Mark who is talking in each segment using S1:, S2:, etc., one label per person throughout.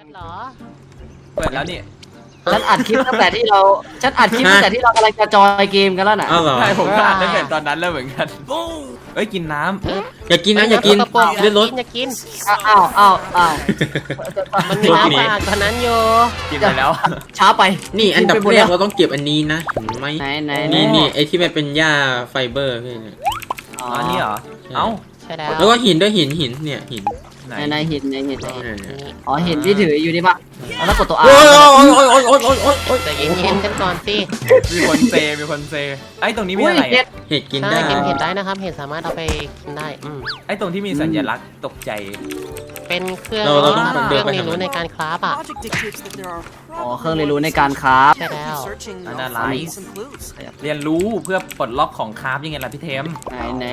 S1: เหรอ
S2: เปิดแล้วนี่
S3: ฉันอัดคลิปตั้งแต่ที่เรากำลังจะจอยเกมกันแล้วน่ะ
S4: อ้าวเหรอ
S2: ใช่ผมก็อ่านตั้งแต่ตอนนั้นแล้วเหมือนกันเอ้ยกินน้
S4: อย่ากินนะอย่ากิน
S1: กระป๋อง
S4: เลือดรถ
S1: อย่ากิน
S3: อ้าว
S1: มันมีน้ำสะอาดกว่านั้นอยู่
S2: ำกินไปแล้ว
S3: ช้าไป
S4: นี่อันดับ
S3: กิไปหม
S4: แร
S3: แล้
S4: ก
S3: ว
S4: เราต้องเก็บอันนี้นะเห็นไหม
S3: ไหน
S4: นี่ไอที่มันเป็นหญ้าไฟเบอร์พี่เนี่ย
S3: อ๋อ
S2: อันนี้เหรอเอ้า
S1: ใช่แล้ว
S4: แล้วก็หินด้วยหินเนี่ยหิน
S2: ไหน
S3: ในหิน
S4: เนี่ย
S3: อ๋อเห็นที่ถืออยู่นี่ปะแล้วกดตัว R
S4: โอ้ยโอ้ยโอ้ยโอ้ยโอ้ยโอ้ยโอ้ย
S1: แต่เย็นๆกันก่อนสิ
S2: มีคนเซไอ้ตรงนี้มีอะไร
S3: เห็ด
S2: อะ
S4: เห็ดกิน
S1: ใช่
S4: ได้
S1: กินเห็ดได้นะครับเห็ดสามารถเอาไปกินได้
S2: ไอ้ตรงที่มีสัญลักษณ์ตกใจ
S1: เป็นเครื่อง
S4: เราต้อง
S1: เค
S4: เดิ
S1: รื่
S4: น
S1: อง
S4: ไป
S1: เรียนรู้ในการคราฟอ่ะ
S5: Logic dictates that there are
S3: อ๋อเครื่องเรียนรู้ในการคราฟ
S1: ใช่แล้ว
S5: searching
S2: Analyze
S5: some clues.
S2: เรียนรู้เพื่อปลดล็อกของคราฟยังไงล่ะพี่เทม
S3: ไหน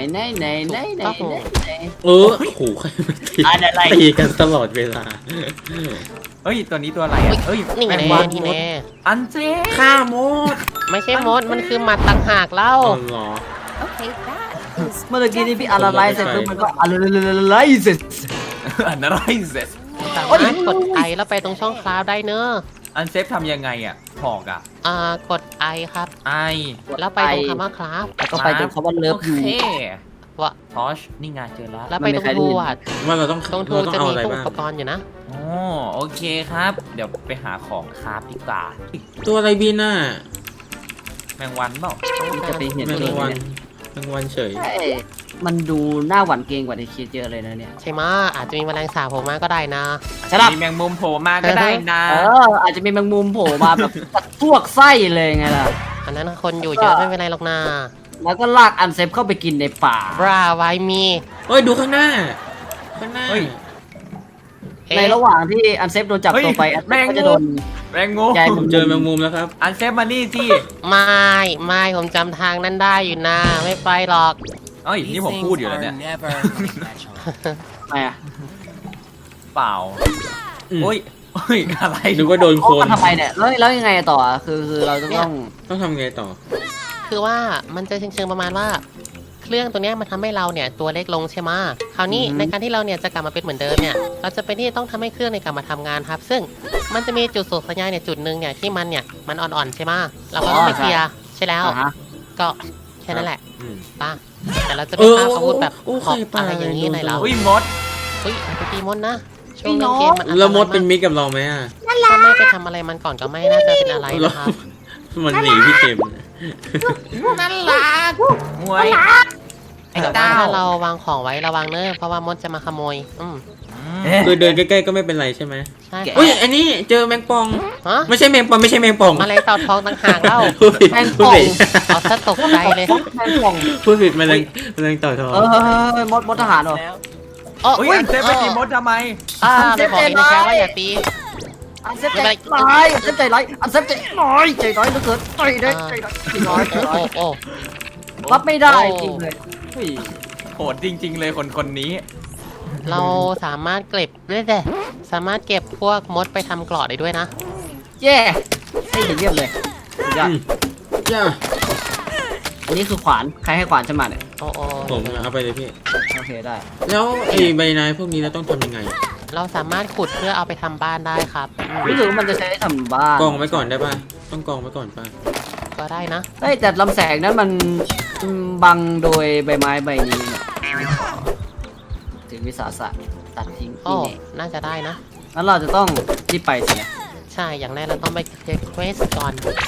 S4: โอ้โหใครมาตี
S3: อะไร
S4: ตีกันตลอดเวลา
S2: เฮ้ยตัวนี้ตัวอะไรอะเฮ้ย
S1: นี่ไง
S2: แม
S1: แน่
S2: วัน
S1: ที่แน่
S2: อันเจ๊
S4: ฆ่าหมด
S1: ไม่ใช่มดมันคือหมัดต่างหากเล่า
S4: อ๋อเหรอ
S5: Okay, that is
S3: เมื่อกี้นี่พี่อะไรเสร็จปุ๊บมันก็อะไรเสร็จ
S2: อันอะไรเสร็จ
S1: สามารถกดไอแล้วไปตรงช่องคราฟได้เนอะ
S2: อันเซฟทำยังไงอ่ะหอกอ่ะ
S1: กดไอครับ
S2: ไอ
S1: แล้วไปตรงคำว่าคราฟ
S3: แล้วก็ไปตรงคำว่าเลิฟ
S2: โอ
S3: ยู
S2: เค
S1: ว่า
S2: ทอชนี่ไงเจอแล้ว
S1: แล้วไปตรงทูอ่ะ
S4: ว่าเราต้อง
S1: ตรงทู
S4: เราต้อง
S1: จะ
S4: เอา
S1: มี
S4: อะไร
S1: พวก
S4: บ้าง
S1: อุปกรณ์อยู่นะ
S2: อ๋อโอเคครับ เดี๋ยวไปหาของคราฟดีกว่า
S4: ตัวอะไรบินน่ะ
S2: แมงวันเปล่า
S3: จะไปเห็น
S4: แมง
S3: เอง
S4: วัน
S3: เนี่ย
S4: แมงวันเฉย
S3: ใช่มันดูหน้าหวั่นเกรงกว่าในคิดเยอะเลยนะเนี่ย
S1: ใช่ไหมะอาจจะมีแมลงสาบโผล่มาก็ได้นะ
S3: ใช่ปะ
S2: มีแมงมุมโผล่มาก็ได้นะ
S3: อาจจะมีแมงมุมโผล่มาแบบพวกไส้เลยไงล่ะ
S1: อันนั้นคนอยู่เยอะไม่เป็นไรหรอกนะ
S3: แล้วก็ลากอันเซฟเข้าไปกินในป่า
S1: บราไวมี
S4: เฮ้ยดูข้างหน้า ข้างหน้า
S2: เฮ้ย
S3: ในระหว่างที่อันเซฟโดนจับตัวไปอันเซฟก็จะโดน
S2: แมงมุม
S3: ใหญ่
S4: ผมเจอแมงมุมแล้วครับ
S2: อันเซฟมานี่สิ
S1: ไม่ผมจำทางนั้นได้อยู่นะไม่ไปหรอก
S2: เอ้ยนี่ผมพูดอยู่แล้วเนี่ย
S5: never natural.
S3: ทำไมอ่ะ
S2: เปล่า
S4: อืม
S2: โอ้ยโอ้ยอะไร
S4: นึกว่าโดน
S3: โอ้
S4: คน
S3: มันทำไมเนี่ยแล้วยังไงต่อคือเราจะต้อง
S4: ต้องทำไงต่อ
S1: คือว่ามันจะเชิงๆประมาณว่า เครื่องตัวเนี้ยมันทำให้เราเนี่ยตัวเล็กลงใช่ไหมะคราวนี้ในการที่เราเนี่ยจะกลับมาเป็นเหมือนเดิมเนี่ยเราจะเป็นที่ต้องทำให้เครื่องในยกลับมาทำงานครับ ซึ่งมันจะมีจุดส่งสัญญาณเนี่ยจุดหนึ่งเนี่ยที่มันเนี่ยมันอ่อนๆใช่ไหมะเราก็ต้องไปเคลียร์ใช่แล้ว
S3: ฮะ
S1: ก็แค่นั้นแหละ
S4: อืม
S1: ป่ะแต่เราจะไม่ฆ่าอาวุธแบบ
S4: โอ้
S1: ขอบ
S4: ใครตาย
S1: อะไรอย่างนี้เลยเรา
S2: อุ้ยมด
S1: เฮ้ยไปตีมดนะช่วงเล่นเกมมันอันตราย
S4: แล้วมดเป็น
S1: มาก
S4: มิตรกับเราไหมอ่ะ
S1: ถ้าไม่ไปทำอะไรมันก่อนก็ไม่น่าจะเป็นอะไรนะครับ
S4: มันหนีพี่เกม
S2: นั่นล่ะมวยไอ้
S1: แต่
S2: ดา
S1: ถ้าว เราวางของไว้ระวังเนอะเพราะว่ามดจะมาขโมย
S4: คือเดินใกล้ๆก็ไม่เป็นไรใช่ไหม
S1: ใช่
S4: อุ้ยอันนี้เจอแมงป่อง
S1: ฮะ
S4: ไม่ใช่แมงป่องไม่ใช่แมงป่อง
S1: มาเลยเต่าทองต่างหากเล่า
S4: พูดผิดพูดผิด
S1: เอาซะตกใจเลย
S3: แมงป่อง
S4: พูดผิดแมลงเต่าทอง
S3: มดทหารเหรอ
S2: อุ้ยอันเซฟไปตีมดทำไม
S1: ไม่บอกเองนะแค่ว่าอย่าตี
S3: อันเซฟใจร้ายอันเซฟใจร้ายอันเซฟใจร้ายใจร้ายเหลือเกินใจได้ใจร้ายใจร้าย
S1: โอ้
S3: รับไม่ได้จริงเลยเฮ้ย
S2: โหดจริง ๆ เลยคนนี้
S1: เราสามารถเก็บด้วยแต่สามารถเก็บพวกมดไปทำเกราะได้ด้วยนะ
S3: แย่ให้เยี่ยมเลยสุดยอด
S4: ย่า
S3: อันนี้คือขวานใครให้ขวานฉันมาเนี่ย
S1: โอ้
S4: ผมเอาไปเลยพี่
S3: โอเคได้
S4: แล้วไอ้ใบไม้พวกนี้เราต้องทำยังไง
S1: เราสามารถขุดเพื่อเอาไปทำบ้านได้ครับ
S3: รู้สึกว่ามันจะใช้ทำบ้าน
S4: กองไว้ก่อนได้ป่ะ ต้องกองไว้ก่อนป่ะ
S1: ก็ได้นะ
S3: ได้แต่ลำแสงนั้นมันบังโดยใบไม้ใบนี้เนี่ยถึงวิสาสะตัดทิ้ง
S1: โอ้
S3: นี่เนี่ย
S1: น่าจะได้นะ
S3: งั้นเราจะต้องรีบไปสินะ
S1: ใช่อย่างแรกเราต้องไปเคลียร์เควสก่อน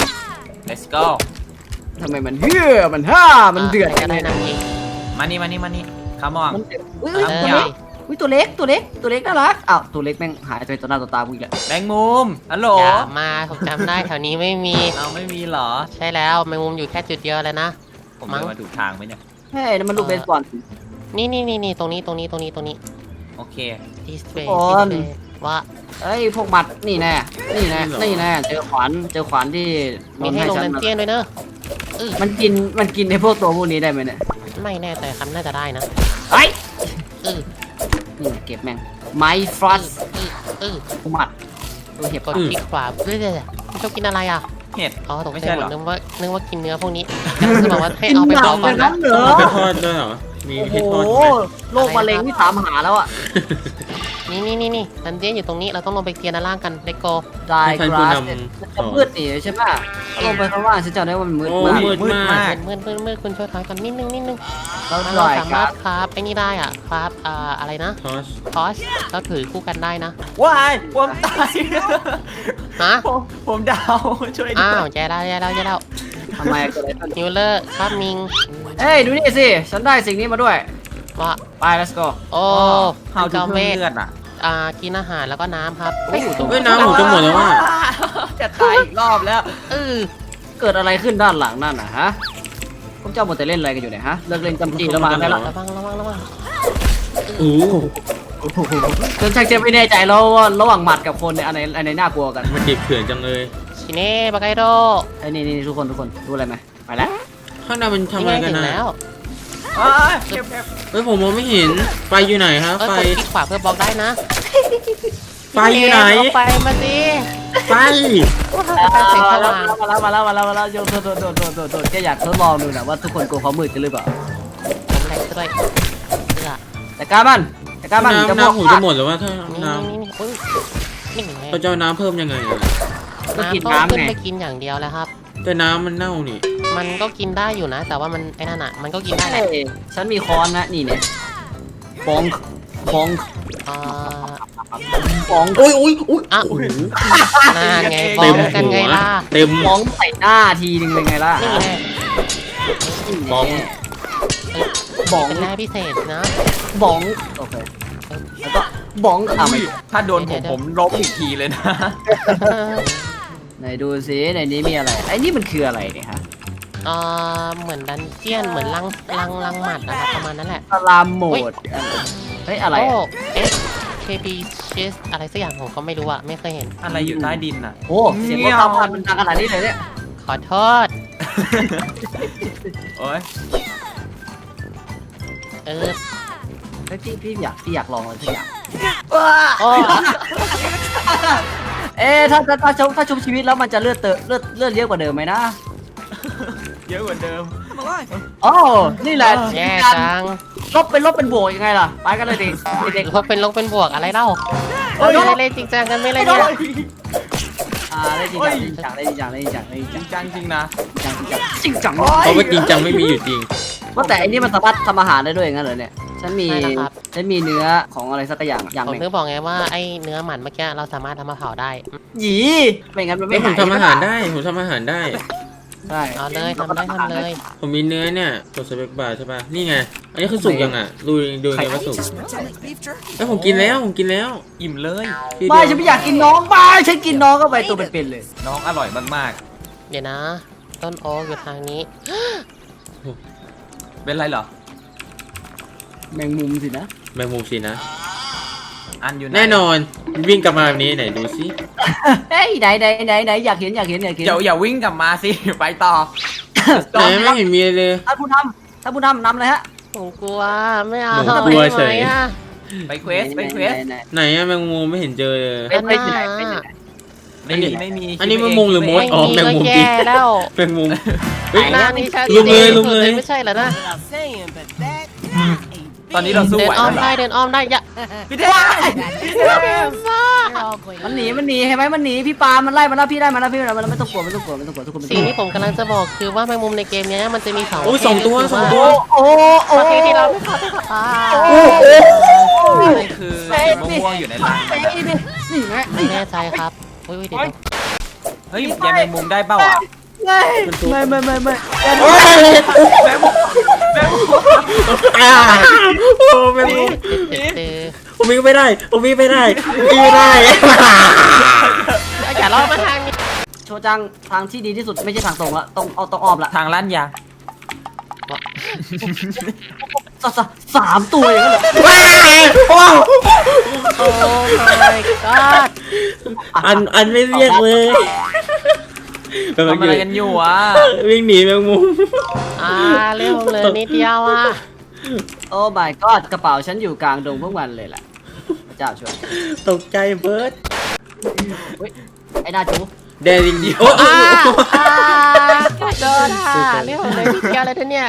S2: let's go
S3: ทำไมมันเฮือมันฮ่ามันเดือด
S1: ก็ได้นะพี่
S2: มานี่คามอง
S3: มันเดือดอุ้ย
S1: เอ
S3: ตัว
S1: อ
S3: เล็กอุ้ยตัวเล็กน่ารักอ้าวตัวเล็กแม่งหายไปต่อหน้าต่อตากูอีกแล้ว
S2: แมงมุมฮัลโหล
S1: อย่ามาผมจำได้แถวนี้ไม่มี
S2: เอาไม่มีเหรอ
S1: ใช่แล้วแมงมุมอยู่แค่จุดเดียวเลยนะ
S2: ผมเดินมาถูกทางไหมเนี่ย
S3: เฮ้ยนั่นมันลูกเบสบอล
S1: นี่ตรงนี้
S2: โอเค
S1: display
S3: โอ้ย
S1: display ว่า
S3: เอ้ยพวกหมัดนี่แน่เจอขวานที่
S1: มีให้ลง
S3: ฉั
S1: นัน
S3: มา
S1: เจียนด้วยเนอะ
S3: มันกินในพวกตัวพวกนี้ได้ไหมเนี่ย
S1: ไม่แน่ใจครับน่าจะได้นะ
S3: ไอ้
S1: เออ
S3: นี่เก็บแม่งไม้ฟรัส
S1: เออ
S3: หมัดตัวเห็บ
S1: กดคลิกขวาเรื่อยๆชอบกินอะไรอ่ะ
S2: เห็ด
S1: อ๋อตก
S2: ไม่
S1: ใจ
S2: ใช่
S1: ห
S2: เห
S1: ม
S2: รอ
S1: ดนึกว่ากินเนื้อพวกนี้จะบอกว่าให้เอาไปเผาก่อนนะ
S3: เหรอ
S4: เอาไปทอดด้วยเหรอ มี
S3: โอ้
S4: ให้
S3: โห
S4: ทอดไหม
S3: โรคมะเร็งที่ถามหาแล้วอ่ะ
S1: นี่ดันเจี้ยนอยู่ตรงนี้เราต้องลงไปเคลียร์ด้านล่างกันเลโก
S3: ได้
S4: ท่าน
S3: ก
S4: ผู้
S3: ราส
S4: น
S3: จะมืดหนีใช่ปะถ้าลงไปข้างล่างฉันจำได้ว่ามันมืด
S4: โอ้
S3: มาก
S4: มืดมาก
S1: มืดคุณช่วยถอยก่อนนิดนึง
S3: แล้ว
S1: เรา
S3: ได้
S1: สาก
S3: ราร
S1: ถ
S3: ส
S1: คราฟไอ้นี่ได้อ่ะคราฟอะไรนะ
S4: ทอช
S1: ทอชเราถือคู่กันได้นะ
S2: ว้ายผมตาย
S1: ฮะ
S2: ผมดาวช่วยด้
S1: อ้าว
S2: วย
S1: แย่แล้ว
S3: ทำไมเกิดอะไรขึ้น
S1: ฮิวเลอร์ครับมิง
S3: เอ้ยดูนี่สิฉันได้สิ่งนี้มาด้วย
S1: ว่า
S3: ไป let's go
S1: โอ้
S2: เฮา
S1: จ
S2: จะ
S1: อม
S2: เพิ่
S1: เว
S2: ม
S1: ท
S2: เลือดอ่ะ
S1: กินอาหารแล้วก็น้ำครับ
S3: โอ้โห
S4: เฮ้ยน้ำผมจะหมดแล้วว่ะ
S2: จะตายอีกรอบแล้ว
S3: เกิดอะไรขึ้นด้านหลังนั่นน่ะฮะพวกเจ้าหมดแต่เล่นอะไรกันอยู่เนี่ยฮะเลิกเล่นจำจีแล้วมาได้ละ
S1: ระวัง
S4: โอ้โห
S3: ฉันชักจะไม่แน่ใจแล้วว่าระหว่างหมัดกับคนเนี่ยอันไหนน่ากลัวกัน
S4: มันดิบเถื่อนจังเลย
S1: ชิเน่บากไกโด
S3: ไอ้นี่ทุกคนรู้อะไรไหมไปแล้ว
S4: ข้างหน้ามันทำอะไรกัน
S1: ถึง
S4: นะ
S1: แล้ว
S2: เก็บ
S4: เฮ้ยผมมองไม่เห็นไฟอยู่ไหนครับ
S1: ก
S4: ไฟ
S1: ดคลิกขวาเพื่อบล็อกได้นะ
S4: ไฟอยู่ไหน
S1: เอาไปมาสิ
S4: ไฟ
S1: แสงสว่าง
S3: มาแล้วโยนโดดแกอยากทดลองดูนะว่าทุกคนกลัวเขามืดกันหรือเปล่า
S1: ผมแหลกซะด้วยเลือ
S3: แต่การมันจะพวก
S4: น้ำผมจะหมดแล้วว่าถ้าน้
S1: นี่อุ้ยนี่ไง
S4: ำเราจะเอาน้ำเพิ่มยังไงอะ
S3: ก็กิน
S1: น้ำก็
S3: น้ำ
S1: ขึ้น
S3: ไง
S1: ไปกินอย่างเดียวแล้วครับ
S4: แต่น้ำมันเน่านี่
S1: มันก็กินได้อยู่นะ แต่ว่ามันไอ้นั่นอ่ะ มันก็กินได้แหละ
S3: เอ้ยฉันมีค้อนนะนี่เนี่ยฟอง
S1: อ่า
S3: ฟอง
S4: โอ้ย
S1: อ่ะนั่นไงบอ
S4: เต็
S1: ก
S4: ม
S1: กัน
S4: หั
S1: ไง
S4: ว
S1: ล่ะ
S4: เต็ม
S3: ฟองใส่หน้าทีนึงเลยไงล่ะ
S1: นี่แหละ
S4: ฟอง
S3: บอง
S1: เป็นแร่พิเศษนะ
S3: บองโอเคแล้วก็บองอ่ะไม่
S2: ถ้าโดนผมลบอีกทีเลยนะ
S3: ไหนดูสิในนี้มีอะไรไอ้นี่มันคืออะไรเนี่ยฮะ
S1: เหมือนดันเจียนเหมือนลังหมัดนะครับประมาณนั้นแหละ
S3: สลามโหมดเฮ้ยอะไร
S1: โอ้
S3: อะ
S1: SKP Cheese อะไรสักอย่างผมก็ไม่รู้อะไม่เคยเห็น
S2: อะไรอยู่ใต้ดินอ่ะ
S3: โอ้เสียงรถขับผ่านมันดังขนาดนี้เลยเนี่ย
S1: ขอโทษ
S2: โอ้ย
S1: เออ
S3: เฮ้ยพี่อยากลองอะไรสักอย่าง
S1: โอ้
S3: เอ๊ะถ้าชุบชีวิตแล้วมันจะเลือดเยอะกว่าเดิมไหมนะ
S2: เยอะกว่าเดิม
S3: อ๋อนี่แหละ
S1: แย่จัง
S3: ลบเป็นบวกยังไงล่ะไปกันเลยดิเด็ก
S1: ลบเป็นบวกอะไรเล่า
S3: เฮ้ย
S1: เล่นจริงจังกันไม่เลยเนี่ย
S3: ได้จริงจัง
S2: จริงจังจริงนะ
S3: จริงจัง
S4: เพราะว่าจริงจังไม่มีอยู่จริง
S3: ว่าแต่อันนี้มันสามารถทำอาหารได้ด้วยอย่างนั้นเหรอเนี่ยฉันมีเนื้อของอะไรสักอย่างอย่าง
S1: ผม
S3: หนึ่ง
S1: นึกบอกไงว่าไอ้เนื้อหมันเมื่อกี้เราสามารถทำมาเผาได้
S3: หยีไม่งั้นมัน
S4: แล้
S3: ไม่
S4: วผมทำอาหารได้ผมทำอาหารได้
S3: ใช่
S1: เอาเลยทำเลย
S4: ผมมีเนื้อเนี่ยกดสเปกบาร์ใช่ป่ะนี่ไงอันนี้คือสุกยังอ่ะดูไงว่าสุก
S5: beef jerky.
S4: แล้วผมกินแล้ว
S2: อิ่มเลย
S4: ที
S3: ไม่
S4: เดียว
S3: ฉันไม่อยากกินน้องไปฉันกินน้องก็ไปตัวเป็นๆเลย
S2: น้องอร่อยมาก
S1: เดี๋ยวนะ ต้นโอ๊กอยู่ทางนี้
S2: ๆ เป็นไรเหรอ
S3: แมงมุมสินะ
S4: แมงมุมสินะ
S2: อันอยู่ไหน
S4: แน่นอนวิ่งกลับมาแบบนี้ไหนดูสิ
S3: เฮ้ยไหนอยากเห็น
S2: เดี๋ยวอย่าวิ่งกลับมาสิ ไปต่อ
S4: ไหนไม่เห็นมีเลย
S3: ท่านผู้นำนำเลยฮะ
S1: ผมกลัวไม่เอา
S4: ผมกลัวเฉย
S1: ได้ไหมอะ
S2: ไปเควส
S4: ไหนอะแมงมุมไม่เห็นเจอเลย
S3: ไปที่ไหน
S2: ไม่มี
S4: อันนี้แมงมุมหรือมด อ๋อแมงมุม
S1: ก็แย่แล้ว
S4: แมงมุมเฮ้ย
S1: หน้านี่ชัด
S4: ลุมเลย
S1: จน
S4: ลุมเลย
S1: ไม่ใช่เหรอนะ
S5: Without saying, but that
S2: ตอนนี้เราสู้
S1: เดิน
S2: ไหว
S1: อ้อม
S2: แล้วเหร
S1: ได้
S2: อ
S1: เดินอ้อมได้อย่า
S2: พี่เด้
S5: you're all going
S3: มันหนีเห็นไหมมันหนีพี่ปามันไล่มันแล้วพี่ได้มันแล้วพี่ไม่ต้องกลัวทุกคนไม่
S1: สิ่งที่ผมกำลังจะบอกคือว่าแมงมุมในเกมเนี้ยมันจะมีสอง
S4: โอ้ยสองตัว
S1: ประเภท
S4: สองตัว
S3: โอ้
S1: ประเภทที่เราไม่เข้าใจอ่า
S2: นี่คือสีม่วงๆอยู่ในรัง
S3: นี่ไง
S1: ไม่แน่ใจครับอุ้ยเดี๋ยว
S2: เฮ้ยยายแมงมุมได้เปล่าอ่ะ
S3: ไม่
S4: โอ้ย
S2: แมงมุม
S4: อ่าโอ้แมงมุม
S1: เดี๋ยว
S4: ผมวิ่งไม่ได้ไม่ได้
S1: อย่าล่อมาทางนี้
S3: โชจังทางที่ดีที่สุดไม่ใช่ทางตรงละต้องอ้อมละ
S2: ทางลั่นยาง
S3: สามตัวอย่างนั้นเหรอ
S1: โอ้ my god
S4: อันไม่เรียกเลย
S2: ทำอะไรกันอยู่อ่ะ
S4: วิ่งหนีแมงมุม
S1: เร็วเลยนิดเดียวอ่ะ
S3: โอ้ my god กระเป๋าฉันอยู่กลางดงพวกมันเลยแหละพระเจ้าช่วย
S4: ตกใจเบิร์ด
S3: ไอ้หน้าจู
S4: แดริงดีโอ้
S1: โดนเร็วเลยนิดเดียวเลยท่านเนี่ย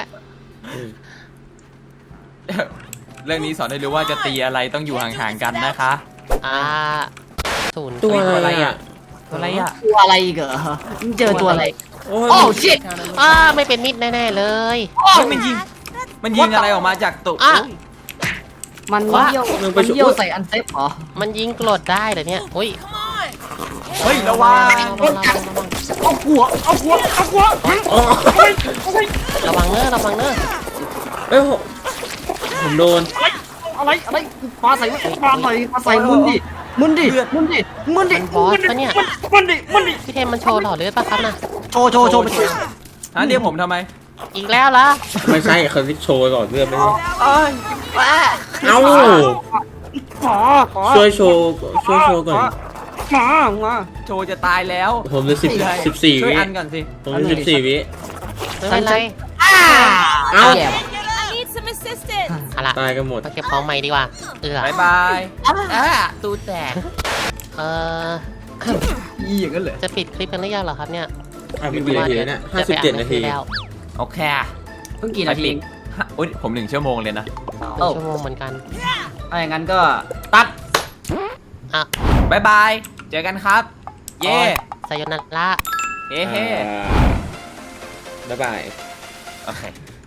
S2: เรื่องนี้สอนให้รู้ว่าจะตีอะไรต้องอยู่ห่างๆกันนะคะ
S1: ศูนย์
S4: ตัวอะไรอ่ะ
S2: ตัวอะไรอ่ะ
S3: ตัวอะไรอีกเหรอมึงเจอตัวอะไร
S4: โอ้ย
S3: โอ้ชิต
S1: ไม่เป็นมิตรแน่ๆเลย
S2: เฮ้ยมันยิงอะไรออกมาจากตุก
S1: อ่ะ
S3: มันเยี่ยวใส่อันเซฟเหรอ
S1: มันยิงกรดได้เหรอเนี่ยอุ้ย
S2: เฮ้ยระวัง
S3: เอาหัว
S4: อ๋อ
S1: ระวังเนอะระวังเนอะ
S4: เอ้ยผมโดน
S3: อะไรปลาใส่มุนดิมุนดิ
S1: มันบอสปะเนี่ย
S3: มุนดิ
S1: พี่เทมมันโชว์หล่อเลือดปะครับน่ะ
S3: โชว์ไปสิ
S2: ฮะเรียกผมทำไม
S1: อีกแล้วเหรอ
S4: ไม่ใช่เขาโชว์ก่อนเลือดไม่ใช่
S2: เอ้ย
S4: เอ้า ช่วยโชว์ก่อน
S3: มา
S2: โชว์จะตายแล้ว
S4: ผมจะ14
S2: ช่วย
S4: วิ
S2: อันก่อนสิ
S4: ผมจะ14 วิ
S1: ไม่เป็นไร
S4: เอ้า
S3: แย่
S5: I need some assistance.
S1: เอาล่ะ
S4: ตายกันหมด
S1: มาเก็บของใหม่ดีกว่า
S2: บายบายตูแตก
S3: ยี่อย่างนั้นเลย
S1: จะปิดคลิปกันหรือยังเหรอครับเนี่ย
S4: อ่ะมีกี่นาทีแล้วเนี่ย57 นาที
S1: แล้ว
S2: โอเค
S3: เพิ่งกี่นาที
S2: อุ้ยผม1 ชั่วโมงเลยนะ
S1: 1 ชั่วโมงเหมือนกัน
S3: ถ้าอย่างนั้นก็ตัด
S1: อ่ะ
S2: บายบาย เจอกันครับ เย่
S1: ไซโยนาระ
S2: เฮ้เฮ้
S4: บ๊ายบาย
S2: โอเค